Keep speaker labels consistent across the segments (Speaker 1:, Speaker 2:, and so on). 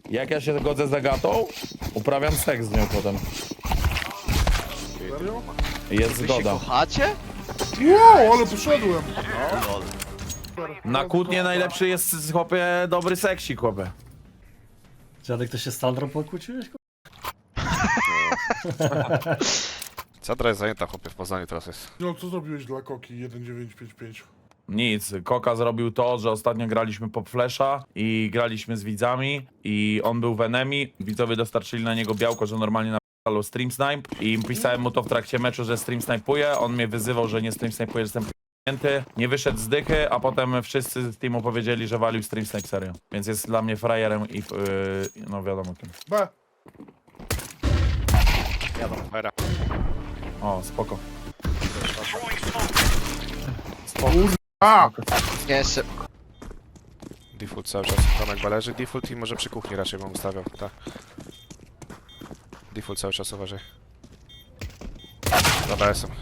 Speaker 1: Jak ja się godzę z Agatą, uprawiam seks z nią potem.
Speaker 2: Serio?
Speaker 1: Jest
Speaker 3: Wy się
Speaker 1: zgoda.
Speaker 3: kochacie?
Speaker 2: Wow, ale poszedłem.
Speaker 3: No, lol.
Speaker 1: Na kłótnie najlepszy jest, chłopie, dobry seksik, chłopie.
Speaker 4: Dziadek, to się z Sandrą pokłóciłeś?
Speaker 5: Centra jest zajęta, chłopie, w Poznaniu teraz jest.
Speaker 2: No, co zrobiłeś dla Koki 1955?
Speaker 1: Nic, Koka zrobił to, że ostatnio graliśmy Pop Flasha i graliśmy z widzami i on był w enemy. Widzowie dostarczyli na niego białko, że normalnie napisał stream snipe i pisałem mu to w trakcie meczu, że stream snipuje. On mnie wyzywał, że nie stream snipuje, że jestem p***nięty. Nie wyszedł z dychy, a potem wszyscy z teamu powiedzieli, że walił stream snipe serio. Więc jest dla mnie frajerem i no wiadomo kim.
Speaker 2: B.
Speaker 5: Era.
Speaker 1: O, spoko.
Speaker 2: A!
Speaker 3: Jeszcze.
Speaker 5: Default cały czas. Tomek bależy. Default i może przy kuchni raczej bym ustawiał, tak. Default cały czas, uważaj. Dobra, jestem.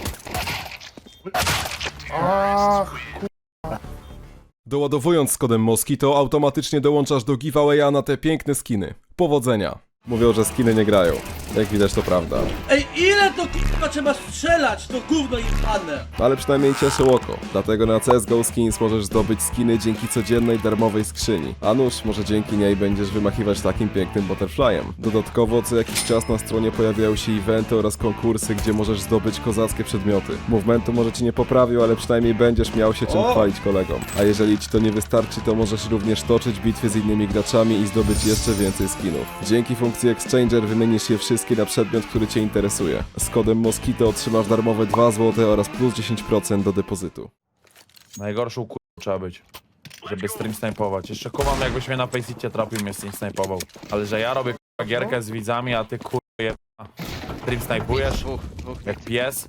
Speaker 2: Ach,
Speaker 6: Doładowując z kodem Moskito automatycznie dołączasz do giveawaya na te piękne skiny. Powodzenia! Mówią, że skiny nie grają. Jak widać to prawda.
Speaker 7: Ej, ile to k***a trzeba strzelać, to gówno jebane!
Speaker 6: Ale przynajmniej cieszy oko. Dlatego na CSGO Skins możesz zdobyć skiny dzięki codziennej darmowej skrzyni. A nuż, może dzięki niej będziesz wymachiwać takim pięknym butterflyem. Dodatkowo co jakiś czas na stronie pojawiają się eventy oraz konkursy, gdzie możesz zdobyć kozackie przedmioty. Movementu może ci nie poprawił, ale przynajmniej będziesz miał się czym chwalić kolegom. A jeżeli ci to nie wystarczy, to możesz również toczyć bitwy z innymi graczami i zdobyć jeszcze więcej skinów. Dzięki funkcji Exchanger wymienisz je wszystkie na przedmiot, który cię interesuje. Z kodem Moskito otrzymasz darmowe 2 zł oraz plus 10% do depozytu.
Speaker 1: Najgorszą trzeba być, żeby stream snajpować. Jeszcze kumam, jakbyś mnie na Faceicie trafił, mnie stream snajpował. Ale że ja robię k***a gierkę z widzami, a ty k***a stream snajpujesz
Speaker 3: Dwóch.
Speaker 1: jak pies.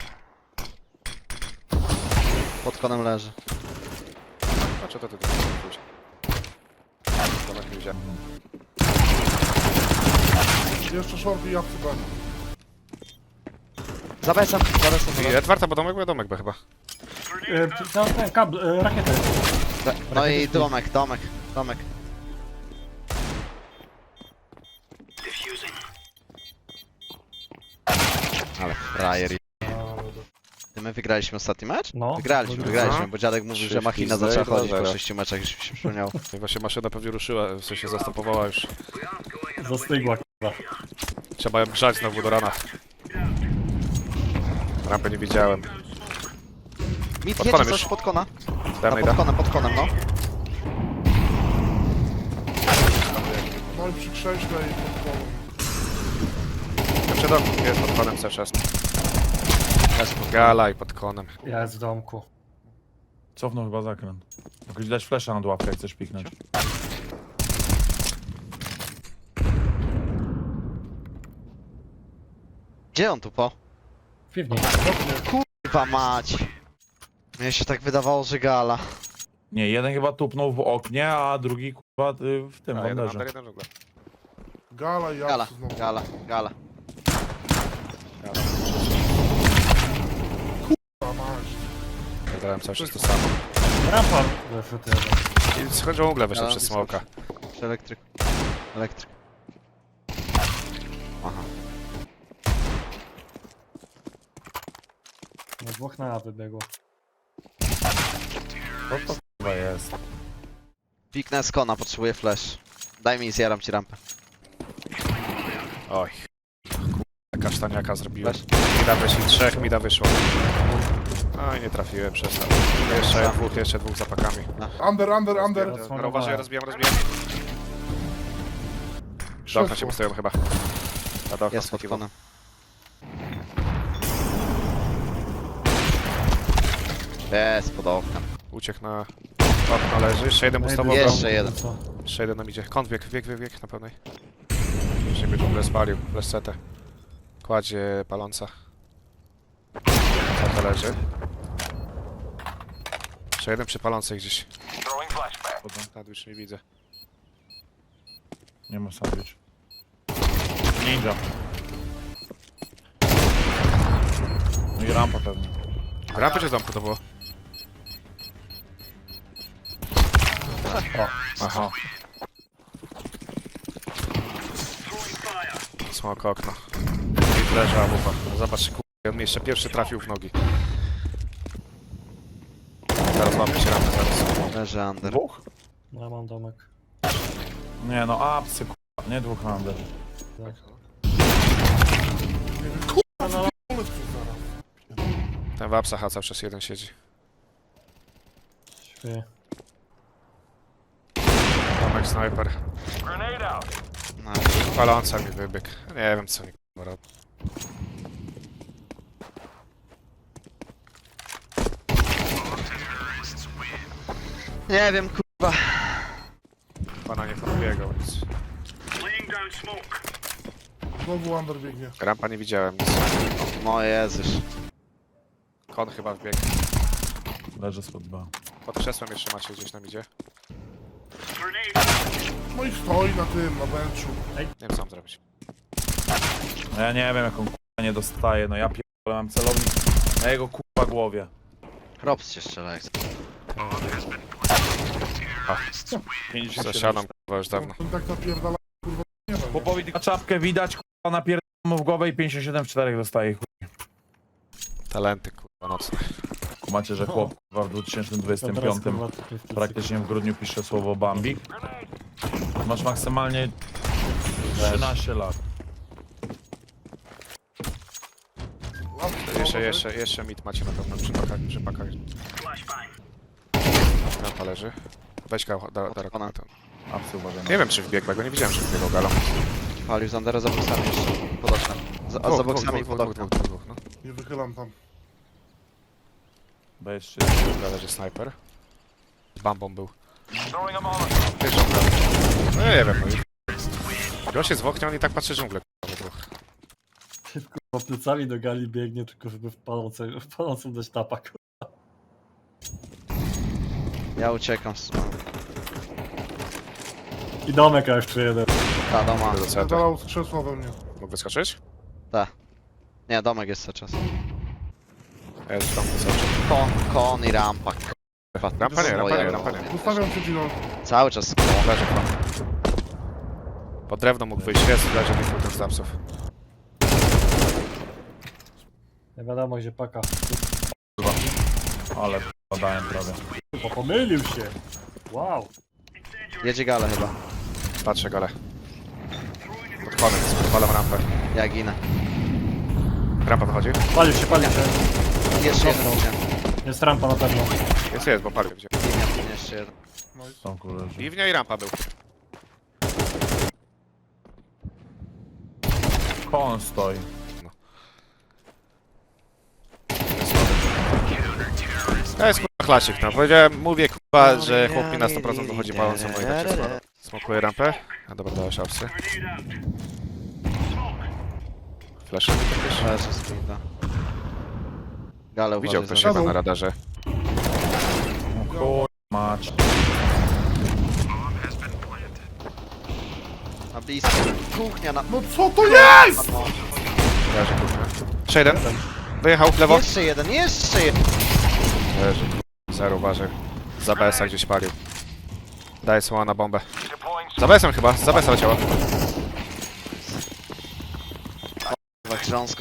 Speaker 3: Pod konem leży.
Speaker 5: A co to ty? Tomek nie widziałem.
Speaker 2: jeszcze short i jabłko B.
Speaker 3: Zabezam.
Speaker 5: I Edwarda, bo domek B chyba.
Speaker 4: Ten kabel, rakietę.
Speaker 3: No i domek. Ale frajer. Ty my wygraliśmy ostatni mecz?
Speaker 4: No.
Speaker 3: Wygraliśmy, bo dziadek mówił, że machina
Speaker 5: Trzy
Speaker 3: zaczęła
Speaker 5: pizdy,
Speaker 3: chodzić po
Speaker 5: 2-0.
Speaker 3: 6 meczach, już mi się przypomniało.
Speaker 5: I właśnie maszyna pewnie ruszyła, w sensie zastopowała już.
Speaker 4: Zastygła, k***a.
Speaker 5: Trzeba ją grzać znowu do rana. Rampy nie widziałem.
Speaker 3: Mit
Speaker 5: Pod
Speaker 3: jedzie
Speaker 5: konem
Speaker 3: coś
Speaker 5: już.
Speaker 3: pod kona.
Speaker 5: Damy,
Speaker 3: Pod konem, no.
Speaker 2: No i przy krześle i pod kołem.
Speaker 5: Przed domem jest pod konem cały czas. Gala i pod konem.
Speaker 4: Ja jest w domku.
Speaker 1: Cofnął chyba zakręt. Jakoś dać flesza nad łapkę, jak chcesz piknąć.
Speaker 3: Gdzie on tu po?
Speaker 4: W piwnicy.
Speaker 3: Kurwa mać. Mnie się tak wydawało, że gala.
Speaker 1: Nie, jeden chyba tupnął w oknie, a drugi kurwa w tym
Speaker 5: A, jeden
Speaker 1: banderze.
Speaker 5: under, jeden żugla.
Speaker 2: Gala i
Speaker 3: Gala,
Speaker 2: jabłko znowu.
Speaker 3: gala.
Speaker 2: A masz.
Speaker 5: Ja grałem cały czas to samo.
Speaker 4: Rampa wyszedł jeden.
Speaker 5: I schodził w ogóle wyszedł
Speaker 3: Gala,
Speaker 5: przez smoka.
Speaker 3: Przy elektryk. Aha.
Speaker 4: No dwóch na A wybiegło.
Speaker 1: Co to chyba jest?
Speaker 3: Piknę z kona, potrzebuję flash. Daj mi i zjaram ci rampę.
Speaker 5: Oj. Kurwa, kasztaniaka zrobiłem.
Speaker 3: Flash.
Speaker 5: Mida wyszli, 3 mida wyszło. Oj, nie trafiłem, przestał. Jeszcze dwóch zapakami.
Speaker 2: Under.
Speaker 5: Dobra, uważaj, rozbijam. Do okna się postawiłem chyba. A do okna
Speaker 3: Jest pod
Speaker 5: skakiwał.
Speaker 3: konem. Jest pod oknem.
Speaker 5: Uciekł na okno, leży. Jeszcze jeden bustował.
Speaker 3: Jeszcze jeden.
Speaker 4: Co?
Speaker 5: Jeszcze jeden nam idzie. Kąt bieg na pełnej. Już nie będzie w ogóle spalił. Fleszcetę. Kładzie paląca. Co to leży? Jeszcze jeden przy palącej gdzieś. Już nie widzę.
Speaker 1: Nie ma sandwich. Ninja. No i rampa pewnie.
Speaker 5: Rampy czy z domku to było?
Speaker 1: Aha.
Speaker 5: Smok okno. I leża łupa. Zobacz, kurwa, on mi jeszcze pierwszy trafił w nogi. Teraz łapie się rampę zaraz.
Speaker 3: Leży under.
Speaker 1: Dwóch?
Speaker 4: No ja mam domek.
Speaker 1: Nie no, apsy kurwa, nie dwóch under.
Speaker 4: Tak.
Speaker 2: Pomysł tu zaraz.
Speaker 5: Ten w apsach cały czas jeden siedzi.
Speaker 4: Śpię.
Speaker 5: Tomek snajper.
Speaker 3: No.
Speaker 5: Paląca mi wybieg. Nie wiem co mi kurwa robi.
Speaker 3: Nie wiem, kurwa.
Speaker 5: Pana nie podbiegał nic.
Speaker 2: Znowu under biegnie.
Speaker 5: Rampa nie widziałem nic.
Speaker 3: No Jezus.
Speaker 5: Kon chyba wbiegł.
Speaker 1: Leży spod B.
Speaker 5: Pod krzesłem jeszcze macie gdzieś tam idzie.
Speaker 2: No i stoi na tym, na benchu.
Speaker 5: Nie wiem co mam zrobić.
Speaker 1: No ja nie wiem jaką kurwa nie dostaję, no ja pierdolę, mam celownik na jego kurwa głowie.
Speaker 3: Robs się strzela jak chce.
Speaker 1: 57.
Speaker 5: Zasiadam kurwa już dawno.
Speaker 2: On tak napierdala, kurwa, nie wiem.
Speaker 1: Chłopowi tylko czapkę widać, kurwa napierdolę mu w głowę i 57 w 4 dostaje. Chuj.
Speaker 5: Talenty kurwa nocne.
Speaker 1: Macie, że chłop kurwa w 2025 praktycznie w grudniu pisze słowo Bambik. Masz maksymalnie 13 lat.
Speaker 5: Jeszcze mit macie na pewno przy pakach. Rampa leży. Weź go,
Speaker 3: Konan.
Speaker 1: Apsy uważaj.
Speaker 5: Nie wiem czy wbiegł, bo go nie widziałem, że wbiegał galą.
Speaker 3: Palił z undera za boksami jeszcze. Pod oknem. A za boksami pod oknem.
Speaker 5: Dwóch, no.
Speaker 2: Nie wychylam tam.
Speaker 1: B jeszcze.
Speaker 5: Dobra, leży snajper. Z bambą był. Wiesz, no nie wiem, no już. Gość jest w oknie, on i tak patrzy dżunglę. kurwa, we dwóch.
Speaker 4: Po plecami do gali biegnie, tylko żeby w palącą dać tapa. kurwa.
Speaker 3: Ja uciekam z...
Speaker 4: I domek a jeszcze jeden.
Speaker 3: Ta, doma.
Speaker 5: Do CT.
Speaker 2: Zadalał z krzesła we mnie.
Speaker 5: Mógł wyskoczyć?
Speaker 3: Nie, domek jest cały czas.
Speaker 5: Jest tam wyskoczył.
Speaker 3: Kon i rampa.
Speaker 5: Rampa nie, rampa nie, rampa nie.
Speaker 2: Zostawiam cię, Gino.
Speaker 3: Cały czas kon.
Speaker 5: Leży kon. Pod drewno mógł wyjść, jest, leży mi ten z zapsów.
Speaker 4: Nie wiadomo gdzie paka.
Speaker 1: Ale podałem prawie.
Speaker 4: Chyba pomylił się. Wow.
Speaker 3: Jedzie gale chyba.
Speaker 5: Patrzę gale. Pod konem, odpalam rampę.
Speaker 3: Ja ginę.
Speaker 5: Rampa wychodzi?
Speaker 4: Palił się.
Speaker 3: Jeszcze jeden
Speaker 4: Dostał.
Speaker 3: idzie.
Speaker 4: Jest rampa na pewno.
Speaker 5: Jest, bo palił gdzie.
Speaker 3: Jeszcze jeden.
Speaker 1: Są kurwa.
Speaker 5: Piwnia i rampa był.
Speaker 1: On stoi.
Speaker 5: To jest kurwa klasik, no. Powiedziałem, mówię kurwa, że chłop mi na 100% wychodzi palącą, no i tak jest. Smokuję rampę. A dobra, dałeś apsy. Flash.
Speaker 3: Leży z Frida. Gale
Speaker 5: Widział
Speaker 3: uważaj
Speaker 5: ktoś
Speaker 3: za-
Speaker 5: chyba na radarze.
Speaker 1: Kurwa mać.
Speaker 3: Na blisko. Kuchnia na...
Speaker 2: No co to jest?!
Speaker 3: No.
Speaker 5: Leży kurwa. Jeszcze jeden. Wyjechał w lewo.
Speaker 3: Jeszcze jeden, jeszcze jeden.
Speaker 5: Leży kurwa. Zero uważaj. Za BS-a gdzieś palił. Daję słowa na bombę. Za BS-em chyba, za BS-a leciała.
Speaker 3: Chyba grząsko.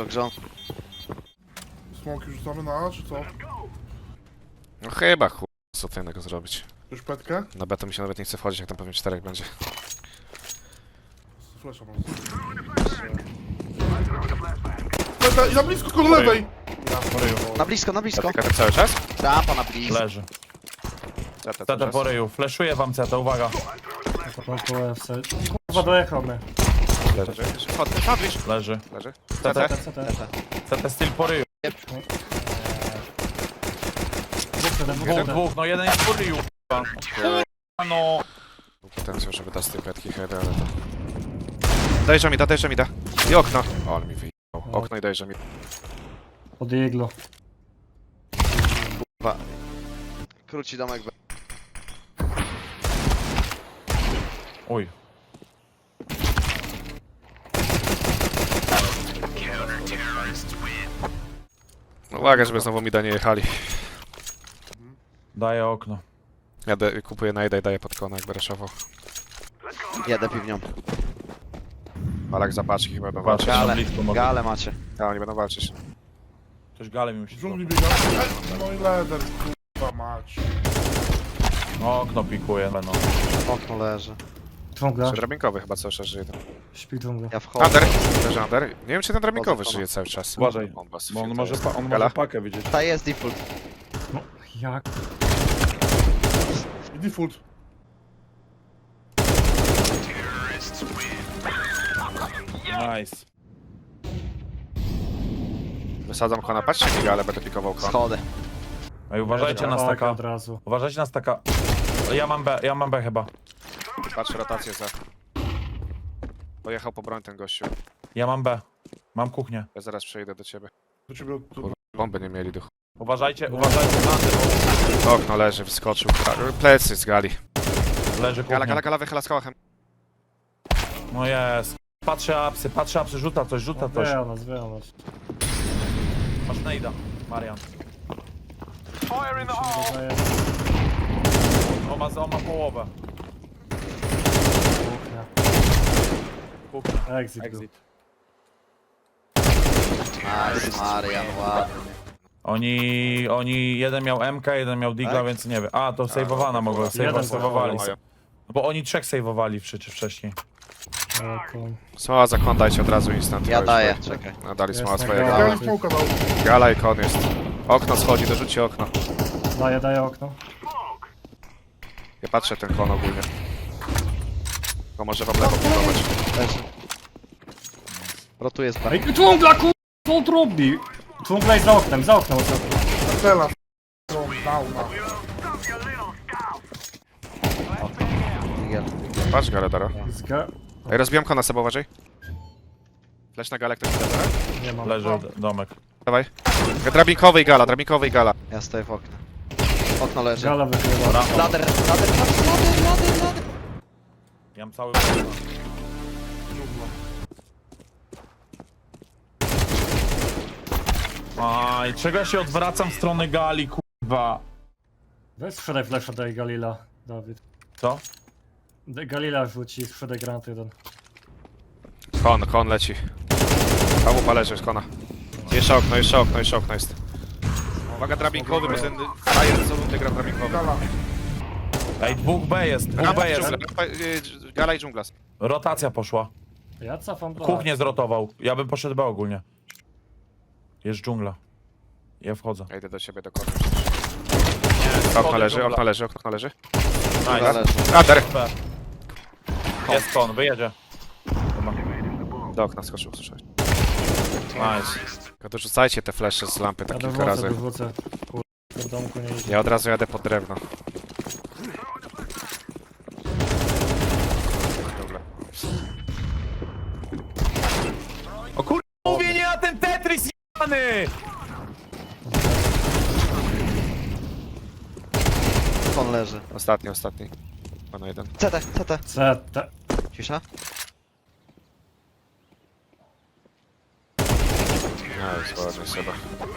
Speaker 2: Smoki rzucamy na A, czy co?
Speaker 5: No chyba chuj. Co tu innego zrobić?
Speaker 2: Już petkę?
Speaker 5: Na B to mi się nawet nie chce wchodzić, jak tam pewnie 4 będzie.
Speaker 2: Flesza mam. Peta, i na blisko koło lewej!
Speaker 3: Na blisko.
Speaker 5: Zatyka cały czas?
Speaker 3: Rampa na blisko.
Speaker 1: Leży.
Speaker 5: CT cały
Speaker 1: CT
Speaker 5: czas.
Speaker 1: po ryju. Fleszuję wam CT, uwaga.
Speaker 4: Na początku FC. Kurwa dojechał mnie.
Speaker 5: Leży. Sandwich.
Speaker 1: Leży.
Speaker 5: Leży.
Speaker 1: CT.
Speaker 4: CT.
Speaker 1: CT styl po ryju. Dwóch, no jeden jest po ryju. kurwa. Kurwa, no.
Speaker 5: Był potencjał, żeby dać z tej petki heady, ale to... Dajże mi da. I okno. O, ale mi wyjechał. Okno i dajże mi.
Speaker 4: Pod iglo.
Speaker 3: Króci domek.
Speaker 1: Uj.
Speaker 5: Uwaga, żeby znowu mi da nie jechali.
Speaker 1: Daję okno.
Speaker 5: Ja kupuję najda i daję pod kona, jakby raszował.
Speaker 3: Jadę piwnią.
Speaker 5: Palak zapaczki chyba będą
Speaker 1: Patrz,
Speaker 5: walczyć.
Speaker 1: na
Speaker 3: Gale,
Speaker 1: blisko może.
Speaker 3: gale macie.
Speaker 5: Tak, oni będą walczyć.
Speaker 1: Ktoś galę mi
Speaker 2: W
Speaker 1: musi
Speaker 2: dżungli biega. No i leder, kurwa mać.
Speaker 1: No, okno pikuje, no.
Speaker 3: Okno leży.
Speaker 4: Dżungla.
Speaker 5: Drabinkowy chyba cały czas żyje.
Speaker 4: Śpi dżungla.
Speaker 3: Ja wchodzę.
Speaker 5: Under, leży under. Nie wiem czy ten drabinkowy
Speaker 3: Wchodzę,
Speaker 5: żyje cały czas.
Speaker 1: Uważaj,
Speaker 5: Bombas,
Speaker 1: bo on
Speaker 5: filtr
Speaker 1: może,
Speaker 5: jest.
Speaker 1: on
Speaker 5: Gala?
Speaker 1: może pakę widzieć.
Speaker 3: Ta jest default.
Speaker 4: No, jak?
Speaker 2: I default.
Speaker 1: Nice.
Speaker 5: Wysadzam kona, patrzcie mi ale będę pikował kon.
Speaker 3: Schody.
Speaker 1: Ej, uważajcie na
Speaker 4: Tak,
Speaker 1: staka.
Speaker 4: od razu.
Speaker 1: Uważajcie na staka. Ja mam B chyba.
Speaker 5: Patrzę rotację za. Pojechał po broń ten gościu.
Speaker 1: Ja mam B. Mam kuchnię.
Speaker 5: Ja zaraz przejdę do ciebie.
Speaker 2: Do ciebie tu.
Speaker 5: Bomby nie mieli duchu.
Speaker 1: Uważajcie na tył.
Speaker 5: Okno leży, wyskoczył. Plecy z gali.
Speaker 1: Leży
Speaker 5: Gala,
Speaker 1: kuchnia.
Speaker 5: gala wychyla z kołachem.
Speaker 1: No jest. Patrzę apsy, rzuca coś.
Speaker 4: Wie o nas, wie o nas.
Speaker 1: Masz nejda, Marian.
Speaker 4: Dodaję
Speaker 1: On ma połowę.
Speaker 4: kuchnia.
Speaker 1: Kuchnia.
Speaker 4: Exit. był.
Speaker 1: Exit.
Speaker 3: Nice, Marian, ładnie.
Speaker 1: Jeden miał MK, jeden miał Digla,
Speaker 3: Tak?
Speaker 1: więc nie wiem. A, to sejwowana mogła,
Speaker 4: Jeden
Speaker 1: sejwowali.
Speaker 5: mają.
Speaker 1: Bo oni trzech sejwowali wcześniej.
Speaker 4: O, kur-
Speaker 5: Smoła za kon dajcie od razu instant.
Speaker 3: Ja
Speaker 5: już
Speaker 3: daję,
Speaker 5: tutaj.
Speaker 3: czekaj.
Speaker 5: No, dali
Speaker 4: Jest
Speaker 5: smoła
Speaker 4: na
Speaker 5: swojego.
Speaker 4: gala.
Speaker 2: Ja
Speaker 5: Gala.
Speaker 2: im smoka dał.
Speaker 5: Gala i kon jest. Okno schodzi, dorzućcie okno.
Speaker 4: Daję okno.
Speaker 5: Ja patrzę ten kon ogólnie. Bo może wam lewo budować.
Speaker 3: Leży. Rotuję z B.
Speaker 4: Ej, dżungla, kur... Co on robi? Dżungla jest za oknem ostatnio.
Speaker 2: Stela. Downa.
Speaker 3: Digel.
Speaker 5: Patrz galę, Daro.
Speaker 4: Zga...
Speaker 5: Ej, rozbijam kona sobie, uważaj. Flash na galę, ktoś da, Daro?
Speaker 4: Nie mam.
Speaker 1: Leży domek.
Speaker 5: Dawaj. Drabinkowy i gala.
Speaker 3: Ja stoję w oknie. Okno leży.
Speaker 4: Gala wychyla.
Speaker 3: Lader.
Speaker 1: Ja mam cały... Aj, czego ja się odwracam w stronę gali, kurwa.
Speaker 4: Weź sprzedaj flasha, daj Galila, Dawid.
Speaker 1: Co?
Speaker 4: Galila rzuci, sprzedaj granat jeden.
Speaker 5: Kon leci. Kałupa leży z kona. Jeszcze okno jest. Uwaga, drabinkowy, bo ten frajer co rundę gra drabinkowy.
Speaker 2: Gala.
Speaker 1: Ej, dwóch B jest.
Speaker 5: Gala i dżungla.
Speaker 1: Rotacja poszła.
Speaker 4: Ja cofam do...
Speaker 1: Kuchnię zrotował. Ja bym poszedł B ogólnie. Jest dżungla. Ja wchodzę.
Speaker 5: Ja idę do ciebie do kona. Okno leży.
Speaker 3: Gala
Speaker 1: Nice.
Speaker 3: leży.
Speaker 5: Under!
Speaker 1: B. Jest kon, wyjedzie. Chyba.
Speaker 5: Do okna skoczył, słyszałeś.
Speaker 1: Nice.
Speaker 5: Tylko dorzucajcie te flesze z lampy
Speaker 4: Ja
Speaker 5: tak kilka razy.
Speaker 4: dorzucę. Kur... W domku nie idzie.
Speaker 5: Ja od razu jadę pod drewno. Dobra.
Speaker 1: O kur... Mówię nie na ten Tetris jebany!
Speaker 3: Okno leży.
Speaker 5: Ostatni. Pana jeden.
Speaker 3: CT.
Speaker 4: CT.
Speaker 3: Cisza.
Speaker 5: No, jest ładnie sobie.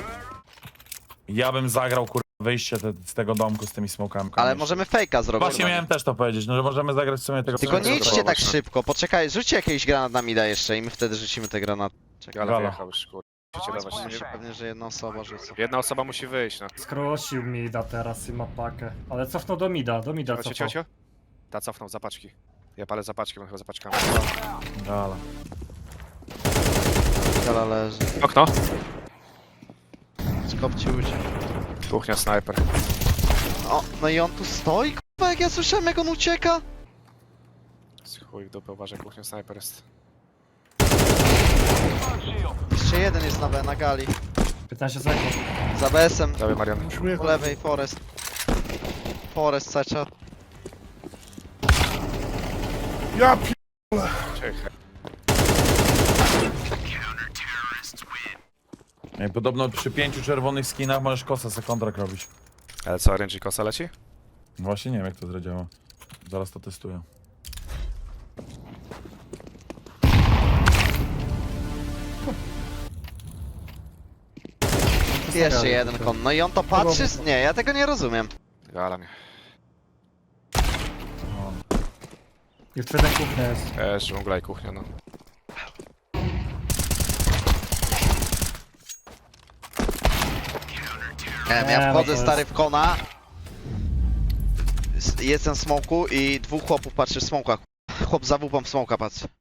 Speaker 1: Ja bym zagrał kur... wyjście z tego domku z tymi smokami.
Speaker 3: Ale możemy fejka zrobić.
Speaker 1: Właśnie miałem też to powiedzieć, no że możemy zagrać w sumie tego...
Speaker 3: Tylko nie idźcie tak
Speaker 5: no.
Speaker 3: szybko, poczekaj, rzućcie jakiś granat na mida jeszcze i my wtedy rzucimy te granaty. Czekaj,
Speaker 5: Gala
Speaker 1: Gala.
Speaker 5: wyjechał już, kurde. Musicie dawać.
Speaker 3: pewnie, że jedna osoba rzuca.
Speaker 5: Jedna osoba musi wyjść, no.
Speaker 4: Skrócił mida teraz i ma pakę. Ale cofnął do mida cofnął.
Speaker 5: Cio. Ta cofnął zapaczki. Ja palę zapaczki, on chyba zapaczkami.
Speaker 1: Gala.
Speaker 3: Gala leży.
Speaker 5: Okno.
Speaker 3: Skop ci uciekł.
Speaker 5: Kuchnia, snajper.
Speaker 3: O, no i on tu stoi, kurwa, jak ja słyszałem, jak on ucieka.
Speaker 5: Chuj w dupę, uważaj, kuchnia, snajper jest.
Speaker 3: Jeszcze jeden jest na gali.
Speaker 4: 15 sekund.
Speaker 3: Za BS-em,
Speaker 5: Dawaj, Marian.
Speaker 2: Musimy
Speaker 3: po
Speaker 2: jechać.
Speaker 3: lewej, Forest. Forest, cały czas.
Speaker 2: Ja pi...
Speaker 5: Czekaj.
Speaker 1: Ej, podobno przy 5 czerwonych skinach możesz kosa se kontrakt robić.
Speaker 5: Ale co, RNG kosa leci?
Speaker 1: Właśnie nie wiem jak to zadziała. Zaraz to testuję.
Speaker 3: Jeszcze jeden kon. No i on to patrzy? Nie, ja tego nie rozumiem.
Speaker 5: Gala mnie.
Speaker 4: Jeszcze jeden kuchnia jest.
Speaker 5: Dżungla i kuchnia, no.
Speaker 3: Nie wiem,
Speaker 4: Nie,
Speaker 3: ja
Speaker 4: no
Speaker 3: wchodzę
Speaker 4: to
Speaker 3: stary
Speaker 4: jest-
Speaker 3: w kona. Jestem w smoku i dwóch chłopów patrzy w smokach. Chłop za wupą w smoka patrzy.